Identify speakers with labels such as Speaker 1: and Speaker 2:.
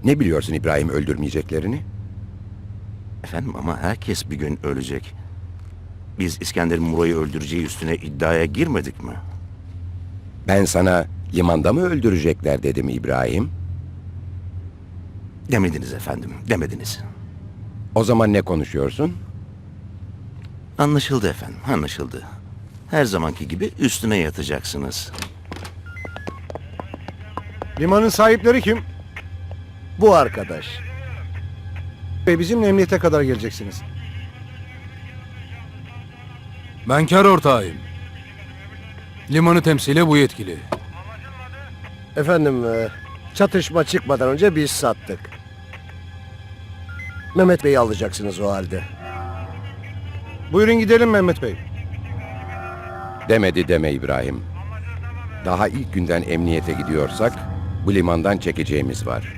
Speaker 1: Ne biliyorsun İbrahim öldürmeyeceklerini?
Speaker 2: Efendim ama herkes bir gün ölecek. Biz İskender Muro'yu öldüreceği üstüne iddiaya girmedik mi?
Speaker 1: Ben sana limanda mı öldürecekler dedim İbrahim.
Speaker 2: Demediniz efendim, demediniz.
Speaker 1: O zaman ne konuşuyorsun?
Speaker 2: Anlaşıldı efendim, anlaşıldı. Her zamanki gibi üstüne yatacaksınız.
Speaker 3: Limanın sahipleri kim?
Speaker 4: Bu arkadaş.
Speaker 3: Bey, bizimle emniyete kadar geleceksiniz.
Speaker 5: Ben kar ortağıyım. Limanı temsile bu yetkili.
Speaker 4: Efendim, çatışma çıkmadan önce biz sattık. Mehmet Bey'i alacaksınız o halde.
Speaker 3: Buyurun gidelim Mehmet Bey.
Speaker 1: Demedi deme İbrahim. Daha ilk günden emniyete gidiyorsak bu limandan çekeceğimiz var.